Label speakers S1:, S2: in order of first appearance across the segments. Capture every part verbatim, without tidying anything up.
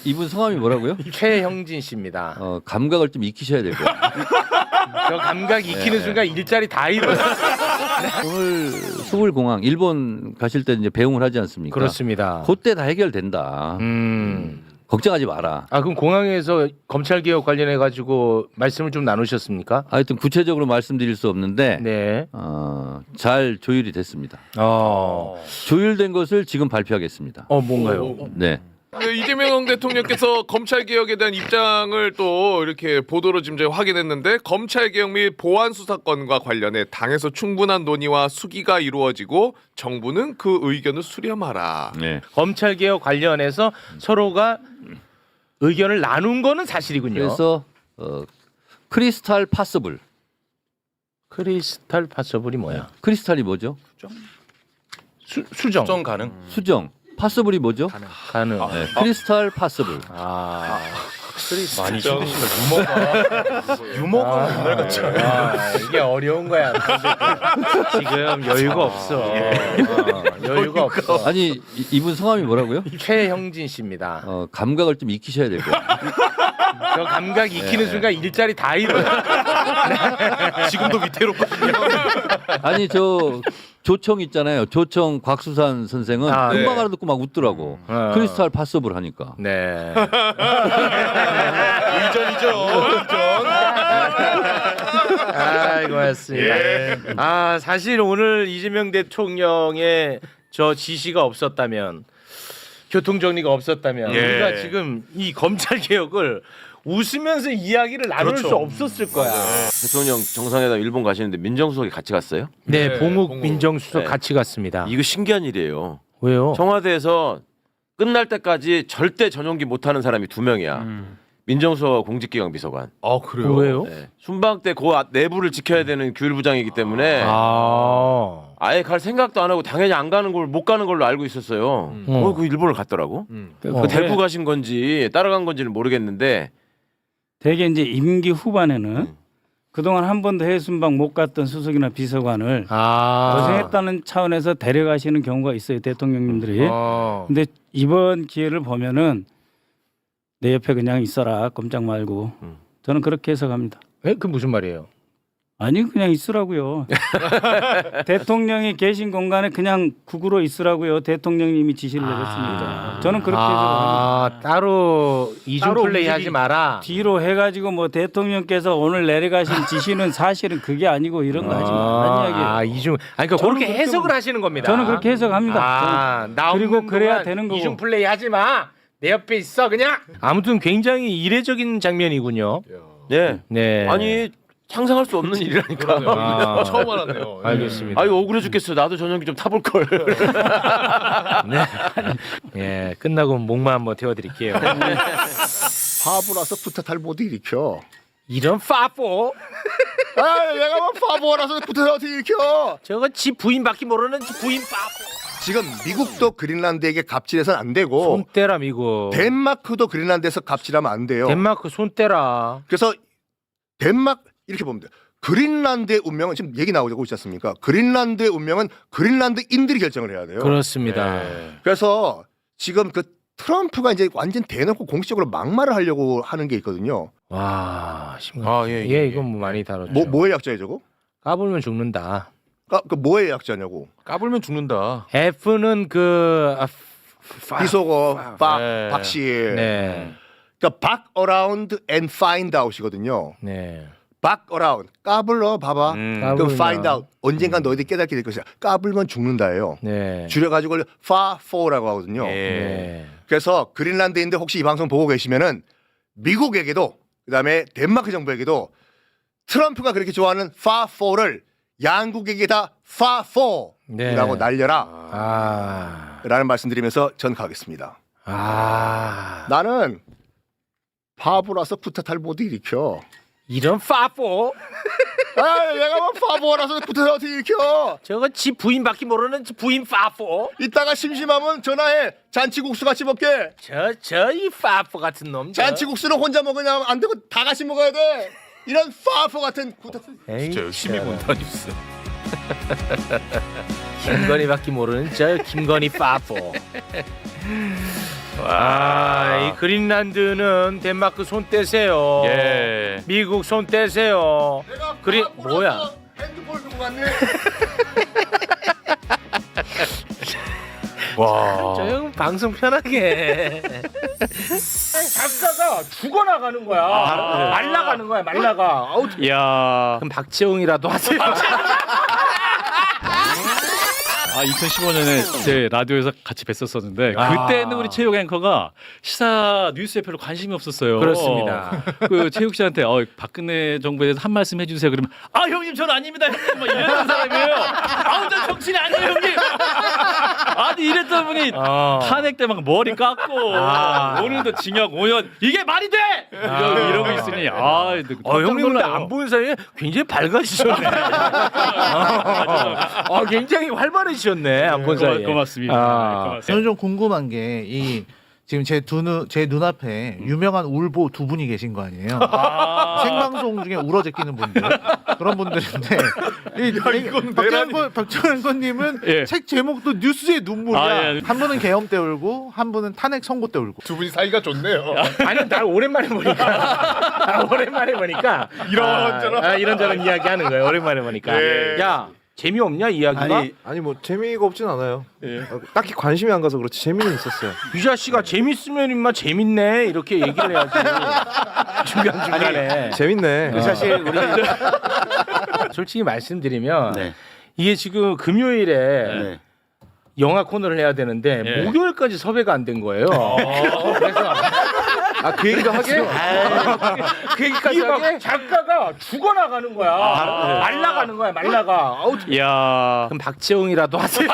S1: 이분 성함이 뭐라고요?
S2: 최형진 씨입니다.
S1: 어, 감각을 좀 익히셔야 될 거예요.
S2: 저 감각 익히는 순간 일자리 다 잃어요.
S1: 오늘 수불공항 일본 가실 때 이제 배웅을 하지 않습니까?
S2: 그렇습니다.
S1: 그때 다 해결된다.
S2: 음.
S1: 걱정하지 마라.
S2: 아 그럼 공항에서 검찰 개혁 관련해 가지고 말씀을 좀 나누셨습니까?
S1: 하여튼 구체적으로 말씀드릴 수 없는데
S2: 네.
S1: 어, 잘 조율이 됐습니다.
S2: 어.
S1: 조율된 것을 지금 발표하겠습니다.
S2: 어 뭔가요?
S1: 네.
S3: 그 이재명 대통령께서 검찰 개혁에 대한 입장을 또 이렇게 보도로 지금 저희 확인했는데 검찰 개혁 및 보안 수사권과 관련해 당에서 충분한 논의와 수기가 이루어지고 정부는 그 의견을 수렴하라.
S1: 네.
S2: 검찰 개혁 관련해서 서로가 의견을 나눈 거는 사실이군요.
S1: 그래서 어, 크리스탈 파서블.
S2: 크리스탈 파서블이 뭐야?
S1: 크리스탈이 뭐죠?
S2: 수, 수정.
S4: 수정 가능.
S1: 수정. 파서블이 뭐죠?
S2: 가능.
S1: 네. 크리스탈 파서블.
S2: 아.
S4: 많이 힘드시다. 유머가 유머가 옛날 같지 않아요?
S2: 아, 이게 어려운 거야. 지금 여유가 없어. 어, 여유가 없어.
S1: 아니 이- 이분 성함이 뭐라고요?
S2: 최형진 씨입니다.
S1: 어, 감각을 좀 익히셔야 될 거예요.
S2: 저 감각 익히는 순간 일자리 다 잃어요.
S4: 지금도 위태롭거든요.
S1: 아니 저 조청 있잖아요. 조청 곽수산 선생은
S2: 아,
S1: 금방
S3: 네.
S1: 알아듣고 막 웃더라고.
S2: 어.
S1: 크리스탈 파서블 하니까.
S2: 네.
S4: 의전이죠. 의전.
S2: 아, 고맙습니다. 아, 사실 오늘 이재명 대통령의 저 지시가 없었다면, 교통 정리가 없었다면,
S4: 예.
S2: 우리가 지금 이 검찰 개혁을 웃으면서 이야기를 나눌
S4: 그렇죠.
S2: 수 없었을 거야.
S5: 대통령 정상회담 일본 가시는데 민정수석이 같이 갔어요?
S2: 네,
S3: 네,
S2: 봉욱
S3: 봉욱.
S2: 민정수석
S5: 네.
S2: 같이 갔습니다.
S5: 이거 신기한 일이에요.
S2: 왜요?
S5: 청와대에서 끝날 때까지 절대 전용기 못하는 사람이 두 명이야. 민정수석과 공직기강 비서관.
S3: 아 그래요?
S2: 왜요?
S5: 네. 순방 때 그 내부를 지켜야 되는 규율부장이기 때문에
S2: 아,
S5: 아예 갈 생각도 안 하고 당연히 안 가는 걸 못 가는 걸로 알고 있었어요.
S2: 음.
S5: 어, 그 일본을 갔더라고.
S3: 음.
S2: 어.
S5: 그 데리고 가신 건지 따라간 건지는 모르겠는데
S6: 대개 이제 임기 후반에는
S5: 음.
S6: 그동안 한 번도 해외 순방 못 갔던 수석이나 비서관을
S2: 아,
S6: 고생했다는 차원에서 데려가시는 경우가 있어요, 대통령님들이.
S2: 어.
S6: 근데 이번 기회를 보면은 내 옆에 그냥 있어라, 꼼짝 말고.
S5: 음.
S6: 저는 그렇게 해석합니다.
S2: 에? 그 무슨 말이에요?
S6: 아니 그냥 있으라고요. 대통령이 계신 공간에 그냥 국으로 있으라고요. 대통령님이 지시를 내렸으니까. 저는 그렇게 해석합니다.
S2: 아, 따로 이중
S6: 따로
S2: 플레이
S6: 움직이-
S2: 하지 마라.
S6: 뒤로 해가지고 뭐 대통령께서 오늘 내려가신 지시는 사실은 그게 아니고 이런 거 하지 말라는 이야기예요.
S2: 아, 이중. 아니 그러니까
S6: 저는
S2: 그렇게
S6: 그렇게
S2: 해석을
S6: 보-
S2: 하시는 겁니다.
S6: 저는 그렇게 해석합니다.
S2: 아, 나
S6: 그리고
S2: 없는
S6: 그래야
S2: 동안
S6: 되는 거고.
S2: 이중 플레이 하지 마. 내 옆에 있어 그냥. 아무튼 굉장히 이례적인 장면이군요.
S5: 예.
S2: 네.
S5: 아니 상상할 수 없는 일이라니까.
S2: 아,
S3: 처음 알았네요.
S2: 알겠습니다.
S5: 아유 억울해 죽겠어. 나도 전용기 좀 타볼 걸.
S2: 예, 끝나고 목만 한번 태워드릴게요.
S7: 바보라서 부탁할 못 일으켜.
S2: 이런 파포.
S7: 아, 내가 뭐 바보라서 부탁을 어떻게 일으켜?
S2: 저거 지 부인밖에 모르는 지 부인 파포.
S7: 지금 미국도 그린란드에게 갑질해서는 안 되고
S2: 손 떼라 미국.
S7: 덴마크도 그린란드에서 갑질하면 안 돼요.
S2: 덴마크 손 떼라.
S7: 그래서 덴마크 이렇게 보면 돼요. 그린란드의 운명은 지금 얘기 나오고 있지 않습니까? 그린란드의 운명은 그린란드인들이 결정을 해야 돼요.
S2: 그렇습니다.
S7: 그래서 지금 그 트럼프가 이제 완전 대놓고 공식적으로 막말을 하려고 하는 게 있거든요.
S2: 와, 심각.
S4: 아, 예,
S2: 예,
S4: 예,
S2: 이건 뭐 많이 다뤘죠.
S7: 뭐 뭐의 약자예요, 저거?
S2: 까불면 죽는다.
S7: 아, 그 뭐의 약자냐고?
S4: 까불면 죽는다.
S2: F는 그 아, 파-
S7: 비속어, 박,
S4: 네.
S7: 박씨.
S2: 네,
S7: 그러니까 back around and find out이거든요.
S2: 네.
S7: back around, 까불러 봐봐.
S4: 음.
S2: 까-
S7: 그럼
S2: 까불면.
S7: find out, 언젠간 너희들이 깨닫게 될 것이야. 까불면 죽는다예요.
S2: 네.
S7: 줄여가지고 far for라고 하거든요.
S4: 예.
S2: 네.
S7: 그래서 그린란드인들 혹시 이 방송 보고 계시면은 미국에게도 그다음에 덴마크 정부에게도 트럼프가 그렇게 좋아하는 far for를 양국에게 다 far for라고
S2: 네.
S7: 날려라
S2: 아,
S7: 라는 말씀드리면서 전 가겠습니다.
S2: 아,
S7: 나는 바보라서 부탁할 못 일으켜.
S2: 이런 파포.
S7: 아, 내가 뭐 바보라서 부탁을 어떻게 일으켜.
S2: 저거 지 부인밖에 모르는 지 부인 파포.
S7: 이따가 심심하면 전화해. 잔치국수 같이 먹게.
S2: 저 저 이 파포 같은 놈. 저.
S7: 잔치국수는 혼자 먹으냐 안 되고 다 같이 먹어야 돼. 이런 파포 같은 구닥.
S2: 에이,
S4: 진짜 열심히
S2: 저.
S4: 본다 뉴스.
S2: 김건희밖에 모르는 저 김건희 파포. 아, 이 그린란드는 덴마크 손 떼세요.
S1: 예.
S2: 미국 손 떼세요. 그린 뭐야?
S7: 핸드폰 두고 왔네.
S4: 와.
S2: 저 형 방송 편하게. 작가가 죽어나가는 거야. 말라가는 거야. 말라가. 아우.
S1: 야.
S2: 그럼 박재홍이라도 하세요.
S8: 아 이천십오 년에 제 라디오에서 같이 뵀었었는데 그때는 우리 체육 앵커가 시사 뉴스에 별로 관심이 없었어요.
S2: 그렇습니다.
S8: 그 체육 씨한테 어, 박근혜 정부에 대해서 한 말씀 해주세요. 그러면 아 형님 저는 아닙니다. 형님 뭐 이랬던 사람이에요. 아우 저 정신이 아니에요 형님. 아니 이랬던 분이
S2: 어.
S8: 탄핵 때 막 머리 깎고
S2: 아.
S8: 오늘도 징역 오 년 이게 말이 돼? 이러, 이러고 있으니 아
S2: 어, 형님 근데 안 보는 사이에 굉장히 밝아지셨네. 어, 굉장히 활발해지셨네. 안 본 사이에.
S8: 고맙습니다.
S2: 아.
S8: 네, 고맙습니다.
S9: 저는 좀 궁금한 게 이 지금 제 두 제 눈앞에 유명한 울보 두 분이 계신 거 아니에요? 생방송 중에 울어 제끼는 분들 그런 분들인데 이,
S3: 이건
S9: 박정현 박정현님은
S8: 예.
S9: 책 제목도 뉴스의 눈물이야.
S8: 아, 예.
S9: 한 분은 계엄 때 울고 한 분은 탄핵 선고 때 울고.
S3: 두 분이 사이가 좋네요.
S2: 아니 날 오랜만에 보니까 날 오랜만에 보니까
S3: 이런저런.
S2: 아, 아, 이런저런 이야기 하는 거예요. 오랜만에 보니까.
S3: 예.
S2: 야 재미없냐 이야기가?
S10: 아니 아니 뭐 재미가 없진 않아요. 어, 딱히 관심이 안 가서 그렇지 재미는 있었어요.
S2: 이 자식아 재밌으면 임마 재밌네 이렇게 얘기를 해야지. 중간 중간에.
S10: 재밌네.
S2: 사실 우리 솔직히 말씀드리면
S1: 네.
S2: 이게 지금 금요일에
S1: 네.
S2: 영화 코너를 해야 되는데
S8: 예.
S2: 목요일까지 섭외가 안 된 거예요. 그래서
S10: 아 그 얘기도 하게?
S2: 그 얘기까지 하게? 작가가 죽어나가는 거야. 말라가는 거야. 말라가. 아우.
S1: 야.
S2: 그럼 박재홍이라도 하세요.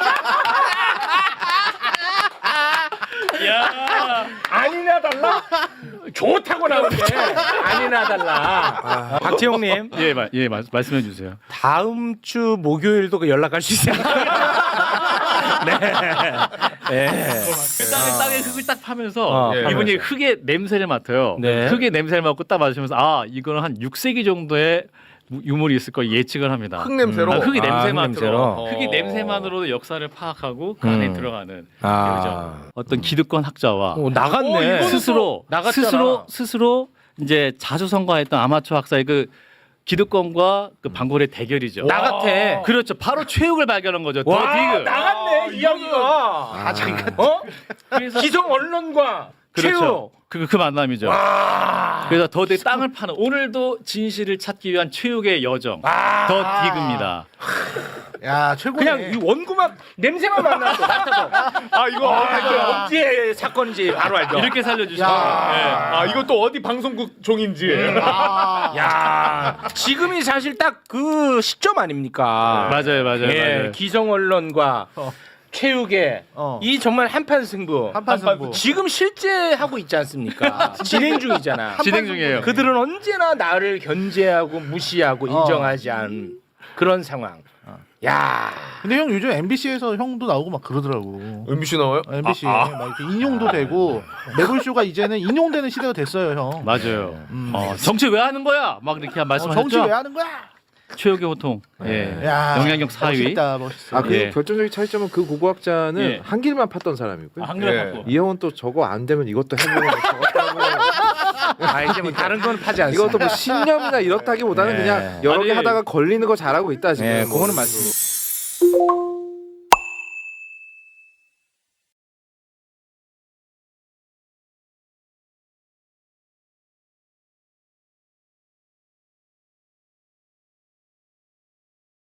S8: 야.
S2: 아니나 달라? 좋다고 나오는데 아니나 달라. 박재홍님
S8: 예, 마, 예 마, 말씀해 주세요.
S2: 다음 주 목요일도 그 연락할 수 있어요. 네. 네.
S8: 땅에 땅에 흙을 딱 파면서
S2: 어,
S3: 예.
S8: 이분이 흙의 냄새를 맡아요.
S2: 네.
S8: 흙의 냄새를 맡고 딱 마시면서 아 이거는 한 육 세기 정도의 유물이 있을 거 예측을 합니다.
S3: 흙 냄새로.
S8: 아, 흙의
S2: 아,
S8: 냄새만으로
S2: 흙냄새로.
S8: 흙의
S3: 어.
S8: 냄새만으로도 역사를 파악하고 그 안에
S2: 음.
S8: 들어가는
S2: 아.
S8: 그죠. 어떤 기득권 학자와
S2: 오, 나갔네.
S3: 어, 이거는
S8: 스스로
S2: 나갔잖아.
S8: 스스로 스스로 이제 자주 선거했던 아마추어 학사의 그 기득권과 그 반골의 대결이죠.
S2: 나 같아.
S8: 그렇죠. 바로 최욱을 발견한 거죠. 더
S2: 와
S8: 디그.
S2: 나갔네 이야기가. 아 자기가 어?
S8: 그래서
S2: 기성 언론과
S8: 그렇죠.
S2: 최욱.
S8: 그, 그 만남이죠.
S2: 와.
S8: 그래서 더 디그 땅을 파는 오늘도 진실을 찾기 위한 최욱의 여정.
S2: 아.
S8: 더 디그입니다.
S9: 야 최고네.
S2: 그냥 이 원고만 냄새만 맡나서 맡아서
S3: 아 이거
S2: 아, 이거 어디에 사건인지 바로 알죠.
S8: 이렇게 살려주시죠.
S9: 야.
S3: 아 이거 또 어디 방송국 종인지.
S9: 아.
S2: 야 지금이 사실 딱 그 시점 아닙니까?
S8: 맞아요, 맞아요,
S2: 예,
S8: 맞아요.
S2: 기성 언론과
S9: 어.
S2: 최욱의
S9: 어.
S2: 이 정말 한판 승부.
S9: 한판 승부.
S2: 지금 실제 하고 있지 않습니까? 진행 중이잖아.
S8: 진행 중이에요.
S2: 그들은 언제나 나를 견제하고 무시하고 인정하지 않은 그런 상황. 야.
S9: 근데 형 요즘 엠비씨에서 형도 나오고 막 그러더라고.
S3: 엠비씨 나와요?
S9: 엠비씨
S3: 아, 아.
S9: 막 이렇게 인용도 되고 매불쇼가 이제는 인용되는 시대가 됐어요 형.
S8: 맞아요.
S9: 음.
S8: 어, 정치 왜 하는 거야? 막 이렇게
S9: 어,
S8: 말씀하셨죠.
S9: 정치 왜 하는 거야?
S8: 최욱의 호통. 예.
S9: 야,
S8: 영향력 사 위.
S9: 멋있다 멋있어.
S10: 아 그
S8: 예.
S10: 결정적인 차이점은 그 고고학자는
S8: 예.
S10: 한 길만 팠던 사람이고요.
S8: 한글
S3: 예.
S8: 갖고.
S10: 이 형은 또 저거 안 되면 이것도 해보고 저것도 하고
S2: 아 이제 뭐 다른 건 파지 않습니다.
S10: 이것도 뭐 신념이나 이렇다기보다는
S2: 네.
S10: 그냥 여러 개
S8: 아니,
S10: 하다가 걸리는 거 잘하고 있다 지금.
S2: 네, 그거는 맞습니다.